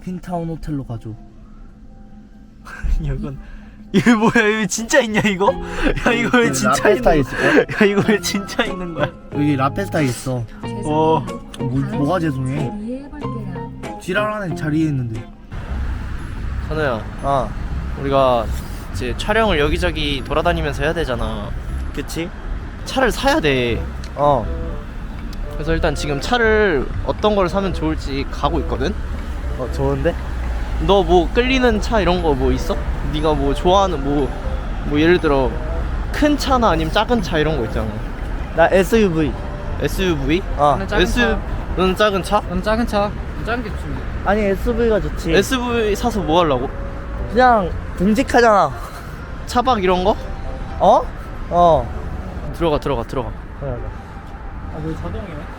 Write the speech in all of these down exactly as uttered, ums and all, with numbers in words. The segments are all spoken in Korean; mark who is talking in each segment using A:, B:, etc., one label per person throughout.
A: 퀸타운 호텔로 가죠.
B: 이건 이거 뭐야? 이거 진짜 있냐 이거? 야 이거 왜 진짜
A: 라페스타
B: 있는
A: 있을
B: 거야? 야 이거 왜 진짜 있는 거야?
A: 여기 라페스타 있어.
B: 어.
A: 뭐, 뭐가 죄송해? 지랄하는 자리에 있는데.
B: 선우야, 아 우리가 이제 촬영을 여기저기 돌아다니면서 해야 되잖아.
A: 그치?
B: 차를 사야 돼.
A: 어.
B: 그래서 일단 지금 차를 어떤 걸 사면 좋을지 가고 있거든.
A: 어 좋은데?
B: 너 뭐 끌리는 차 이런 거 뭐 있어? 네가 뭐 좋아하는 뭐 뭐 예를 들어 큰 차나 아니면 작은 차 이런 거 있잖아.
A: 나 에스유브이.
B: 에스유브이?
A: 어.
C: 나는 작은
B: 에스
C: 차.
B: 너는 작은 차?
C: 넌 작은 차. 작은 게 좋습니다.
A: 아니 에스유브이가 좋지.
B: 에스유브이 사서 뭐 하려고?
A: 그냥 듬직하잖아.
B: 차박 이런 거?
A: 어? 어.
B: 들어가 들어가 들어가.
A: 그래.
C: 아, 너 자동이야?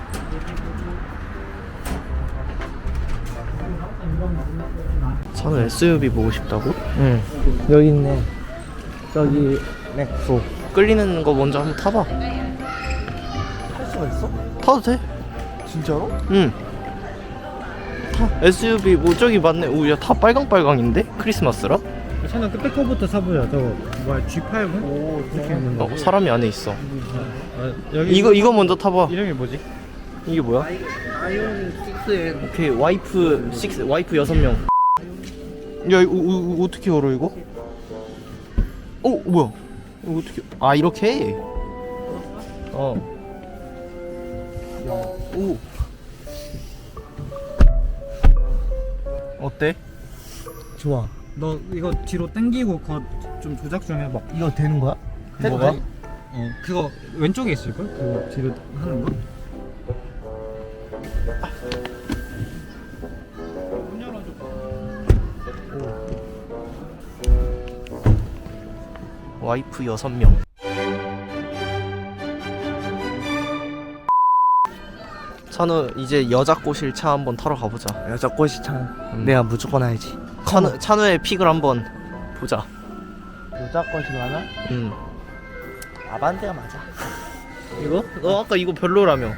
B: 선우 에스유브이 보고 싶다고?
A: 응. 여기 있네. 저기 넥소.
B: 끌리는 거 먼저 한번 타봐.
A: 할 수가 있어?
B: 타도 돼?
A: 진짜로?
B: 응. 타. 에스유브이 뭐 저기 맞네. 오, 야 다 빨강빨강인데? 크리스마스라?
C: 차는 끝에거부터 사보자. 저거 뭐야 지 팔십?
A: 오,
C: 이렇게 있는
B: 어,
C: 거.
B: 사람이 안에 있어.
C: 아, 여기
B: 이거 이거 먼저 타봐.
C: 이름이 뭐지?
B: 이게 뭐야?
A: 아이오닉 식스엔.
B: 오케이 와이프 육 와이프 여섯 명. 야 이거, 이거 어떻게 열어 이거? 어 뭐야? 이거 어떻게? 아 이렇게? 해? 어. 야, 오. 어때?
A: 좋아.
C: 너 이거 뒤로 당기고 그거 좀 조작 좀 해봐.
A: 이거 되는 거야?
B: 뭐가?
C: 어 그거 왼쪽에 있을걸? 그거 뒤로 하는 거? 문 열어줘.
B: 와이프 여섯 명. 찬우 이제 여자 꼬실 차 한번 타러 가보자.
A: 여자 꽃이 참.
B: 음.
A: 내가 무조건 알지.
B: 찬우 찬우의 픽을 한번 보자.
A: 여자 꽃이 많아?
B: 음.
A: 아반떼가 맞아.
B: 이거? 너 아까 이거 별로라며.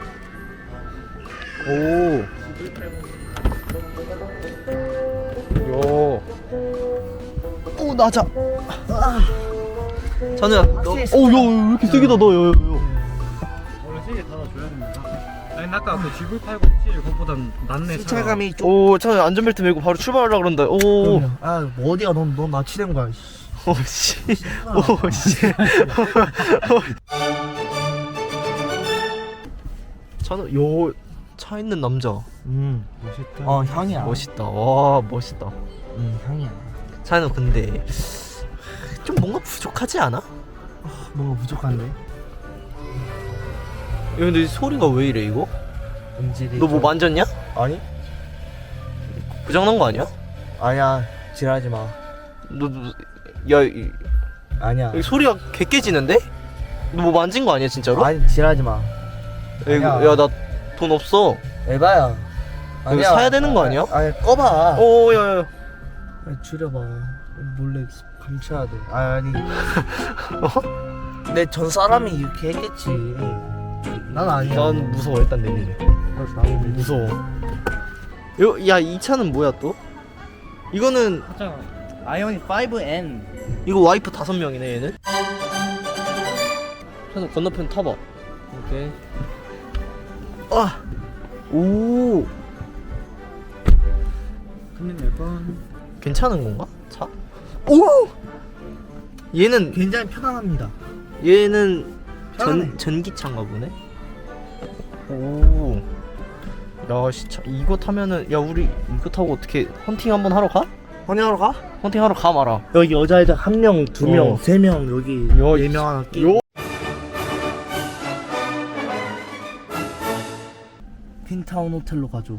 B: 오. 요. 오 낮아. 찬우야 너. 오야왜 이렇게 세게다 너. 요, 요, 요.
C: 원래 세개 닫아줘야 됩니다. 아니 아까 그 지브이 팔십칠 그거보단 낫네. 차가.
A: 승차감이 좀.
B: 오 찬우야 안전벨트 메고 바로 출발하려 그런다. 오.
A: 그럼요. 아, 뭐 어디가 넌, 넌 나치된 거야. 씨.
B: 오씨. 오씨. 찬우 요 차 있는 남자.
A: 음.
C: 멋있다.
A: 어, 향이야.
B: 멋있다. 와 멋있다.
A: 음, 향이야.
B: 찬우 근데 좀 뭔가 부족하지 않아?
A: 뭔가 부족한데?
B: 야, 근데 소리가 왜 이래 이거?
A: 음질이.
B: 너 뭐
A: 좀-
B: 만졌냐?
A: 아니?
B: 고장난 거 아니야?
A: 아니야. 지랄하지 마.
B: 너, 너 야, 이,
A: 아니야.
B: 여기 소리가 개 깨지는데? 너 뭐 만진 거 아니야 진짜로?
A: 아니, 지랄하지 마.
B: 야, 이거,
A: 아니야.
B: 야, 나 돈 없어.
A: 에바야.
B: 이거 사야 되는 거 아니야?
A: 아니, 꺼봐.
B: 오, 야, 야.
A: 아니, 줄여봐. 몰래 감춰야 돼. 아, 아니.
B: 어?
A: 내 전 사람이 이렇게 했겠지. 난 아니야.
B: 난 무서워. 일단 내리래.
A: 나는
B: 무서워. 요, 야, 이 차는 뭐야 또? 이거는
C: 하잖아.
A: 아이오닉 파이브 엔.
B: 이거 와이프 다섯 명이네 얘는. 그래서 건너편 타봐.
A: 오케이.
B: 아, 오,
C: 금리 낼 번.
B: 괜찮은 건가? 차? 오, 얘는
A: 굉장히 편안합니다.
B: 얘는
A: 편하네.
B: 전 전기차인가 보네. 오, 야, 진짜 이거 타면은 야 우리 이거 타고 어떻게 헌팅 한번 하러 가?
A: 헌팅하러 가?
B: 헌팅 하러 가 마라.
A: 여기 여자애들 한 명, 두 명,
B: 어.
A: 세 명 여기
B: 야,
A: 네 명 하나 끼.
B: 요.
A: 퀸타운 호텔로 가죠.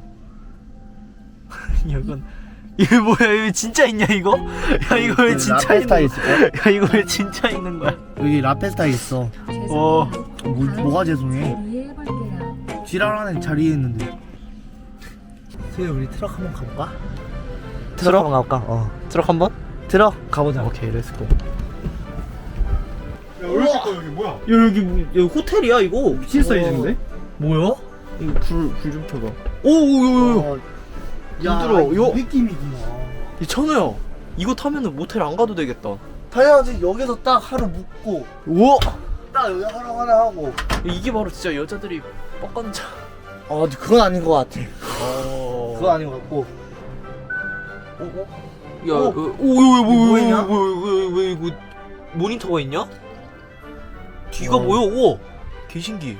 B: 이건 이거 뭐야? 이거 진짜 있냐 이거? 야 이거 왜 진짜
A: 라페스타
B: 있는
A: 있을
B: 거야? 야 이거 왜 진짜 있는 거야?
A: 여기 라페스타 있어.
B: 어.
A: 뭐, 뭐가 죄송해?
D: 이해해볼게요.
A: 지랄하는 자리에 있는데. 수희 우리 트럭 한번 가볼까?
B: 트럭?
A: 한번 가볼까? 어.
B: 트럭 한번?
A: 트럭 가보자.
B: 오케이, 렛츠고.
C: 야 어렸을 거 여기 뭐야?
B: 야 여기 뭐- 여기 호텔이야 이거.
C: 미친 사이즈인데?
B: 뭐야? 이거 불 불 좀 켜봐. 오오오오.
A: 어,
B: 힘들어.
A: 이
B: 요,
A: 느낌이구나.
B: 이 천우야, 이거 타면은 모텔 안 가도 되겠다.
A: 당연하지. 여기서 딱 하루 묵고
B: 우와,
A: 딱 여기 하루 하나 하고.
B: 이게 바로 진짜 여자들이 뻑간 차.
A: 아 근데 그건 아닌 것 같아.
B: 어,
A: 그건 아닌 것 같고. 어? 어?
B: 야,
A: 어?
B: 어, 오왜왜왜
A: 뭐
B: 왜
A: 있냐?
B: 왜 왜 이거 모니터가 있냐? 뒤가
A: 어.
B: 뭐야? 오, 개 신기.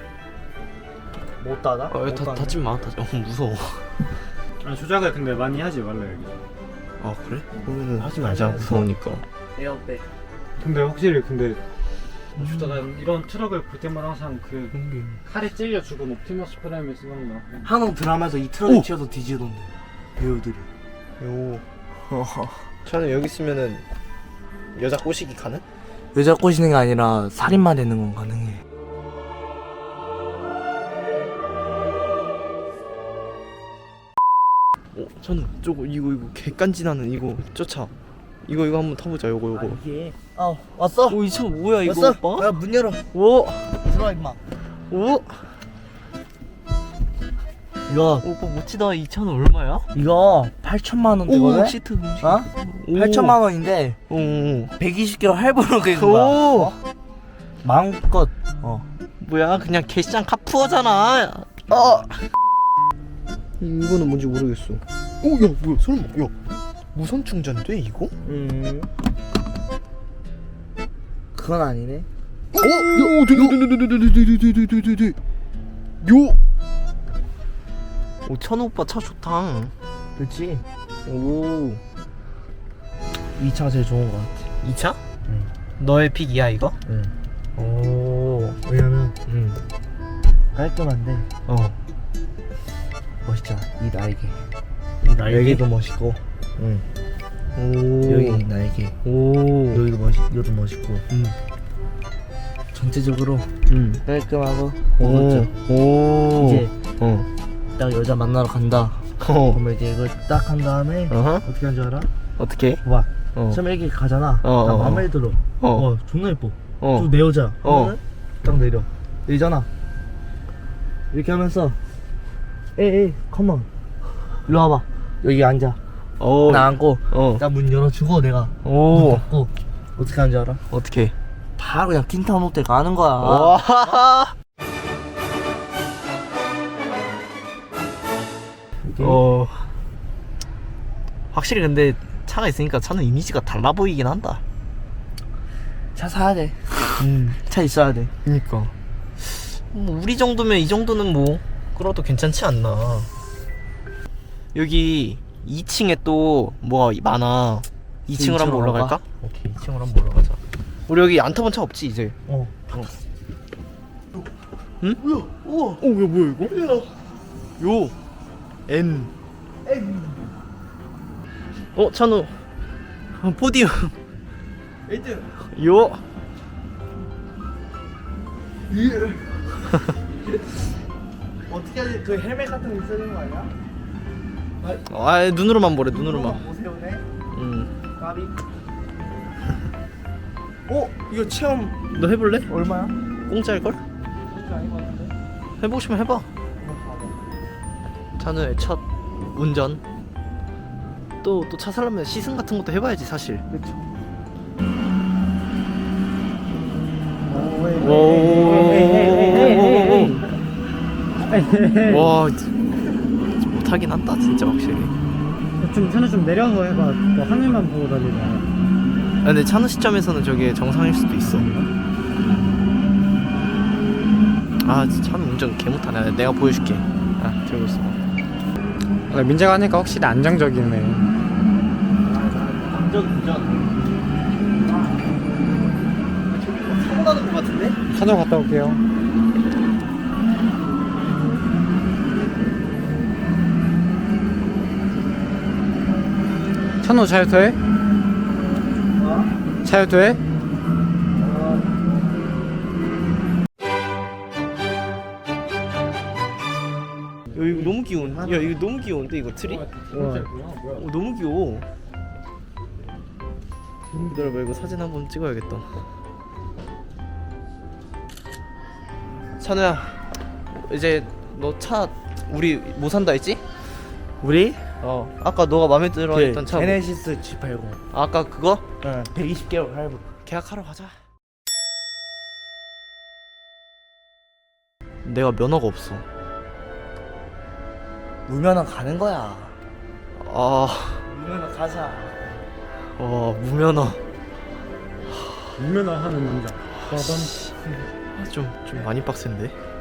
A: 못 닫아?
B: 아,
A: 못
B: 다
A: 닫네.
B: 닫지 마, 닫지. 어, 무서워.
C: 아, 조작을 근데 많이 하지 말라 여기.
B: 아 그래? 그러면은 하지 말자. 무서우니까.
A: 에어백.
C: 근데 확실히 근데 주다가 이런 트럭을 볼 때마다 항상 그 칼에 찔려 죽은 옵티머스 프라임이 생각나.
A: 한국 드라마에서 이 트럭에
B: 오!
A: 치여서 뒤지던데 배우들이.
B: 요. 저는 여기 있으면은 여자 꼬시기 가능?
A: 여자 꼬시는 게 아니라 살인만 되는 건 가능해.
B: 어, 저는 저거 이거 이거 개간지나는 이거 쫓아. 이거 이거 한번 타보자. 요거 요거.
A: 이게. 아 왔어?
B: 오, 이 차 뭐야 이거
A: 왔어?
B: 오빠?
A: 야 문 열어.
B: 오,
A: 들어와 임마.
B: 오,
A: 이거
B: 오빠 멋지다. 이 차는 얼마야?
A: 이거 팔천만 원대거든.
B: 오, 시트 음식.
A: 어?
B: 오.
A: 팔천만 원인데
B: 오, 오.
A: 백이십 킬로 할부로 그린 거야.
B: 오.
A: 어? 마음껏. 어.
B: 뭐야? 그냥 개시장 카푸어잖아. 아. 이거는 뭔지 모르겠어. 오, 야, 뭐야? 설마, 야, 무선 충전돼 이거?
A: 음. 그건 아니네.
B: 어? 야, 되되되되되되되되되되되. 요. 오, 천우 오빠 차 좋다.
A: 그렇지.
B: 오.
A: 이 차가 제일 좋은 거 같아.
B: 이 차?
A: 응.
B: 너의 픽이야 이거?
A: 응.
B: 오.
A: 왜냐면
B: 응.
A: 깔끔한데
B: 어.
A: 멋있잖아. 이 날개.
B: 이 날개?
A: 여기도 멋있고. 응.
B: 오.
A: 여기 날개.
B: 오.
A: 여기도 멋있. 여기도 멋있고.
B: 응.
A: 전체적으로
B: 응.
A: 깔끔하고
B: 오.
A: 멋져.
B: 오.
A: 이제
B: 어.
A: 딱 여자 만나러 간다.
B: 어.
A: 그러면 이제 이걸 딱 한 다음에
B: 어허.
A: 어떻게 하는 줄 알아?
B: 어떻게?
A: 봐.
B: 어.
A: 처음에 이렇게 가잖아.
B: 어,
A: 딱
B: 어,
A: 마음에 들어.
B: 어.
A: 어. 존나 예뻐.
B: 어.
A: 좀 내 여자.
B: 어.
A: 하면은 딱 내려. 내리잖아. 이렇게 하면서 에이 컴온 일로 와봐. 여기 앉아.
B: 오.
A: 나 앉고
B: 어.
A: 딱 문 열어주고 내가 문
B: 오.
A: 닫고 어떻게 하는 줄 알아?
B: 어떻게?
A: 바로 그냥 틴타운 호텔 가는 거야.
B: 와.
A: 이렇게.
B: 어. 확실히 근데 차가 있으니까 차는 이미지가 달라 보이긴 한다.
A: 차 사야 돼.
B: 음.
A: 차 있어야 돼.
B: 그니까. 뭐 우리 정도면 이 정도는 뭐 끌어도 괜찮지 않나. 여기 이 층에 또 뭐가 많아. 이 층으로 한번
A: 이층으로
B: 올라갈까? 오케이, 이 층으로 한번 올라가자. 우리 여기 안 타본 차 없지 이제?
A: 어.
B: 응?
A: 뭐야? 우와.
B: 어, 야 뭐야 이거? 요 N. 어, 찬우. 어, 포디움.
A: 일 등.
B: 요.
A: 어떻게 하지? 그 헬멧 같은 거 있어야 되는 거 아니야?
B: 아, 눈으로만 보래, 눈으로만.
A: 못 세우네.
B: 음.
A: 까비. 어? 이거 체험
B: 너 해볼래?
A: 얼마야?
B: 공짜일 걸?
A: 그렇지 아닌 것 같은데?
B: 해보고 싶으면 해봐. 찬우의 첫 운전. 또 또 차 살려면 시승 같은 것도 해봐야지 사실.
A: 그렇죠.
B: 와, 못하긴 한다 진짜 확실히.
C: 좀 차는 좀 내려서 해봐. 너 하늘만 보고 다니자.
B: 아, 근데 찬우 시점에서는 저게 정상일 수도 있어. 아, 진짜 찬우 운전 개 못하네. 내가 보여줄게. 아, 들고 있어.
C: 아, 민재가 하니까 확실히 안정적이네.
A: 운전 운전. 저기 뭐 사고 나는 것 같은데?
C: 찾아 갔다 올게요. 찬호 차유 돼?
A: 어?
C: 차유 돼?
B: 야, 이거 너무 귀여운. 야, 이거 너무 귀여운데 이거 트리? 어, 너무 귀여워. 기다려봐, 이거 사진 한번 찍어야겠다. 찬우야, 이제 너 차 우리 뭐 산다 했지?
A: 우리 어.
B: 아까 너가 마음에 들어
A: 그
B: 했던 차 뭐?
A: 제네시스 지 팔십.
B: 아까 그거?
A: 응. 백이십 개월 할부.
B: 계약하러 가자. 내가 면허가 없어.
A: 무면허 가는 거야.
B: 아,
A: 무면허 가자.
B: 와 무면허.
C: 유면허 하는 남자.
B: 좀 좀 많이 빡센데.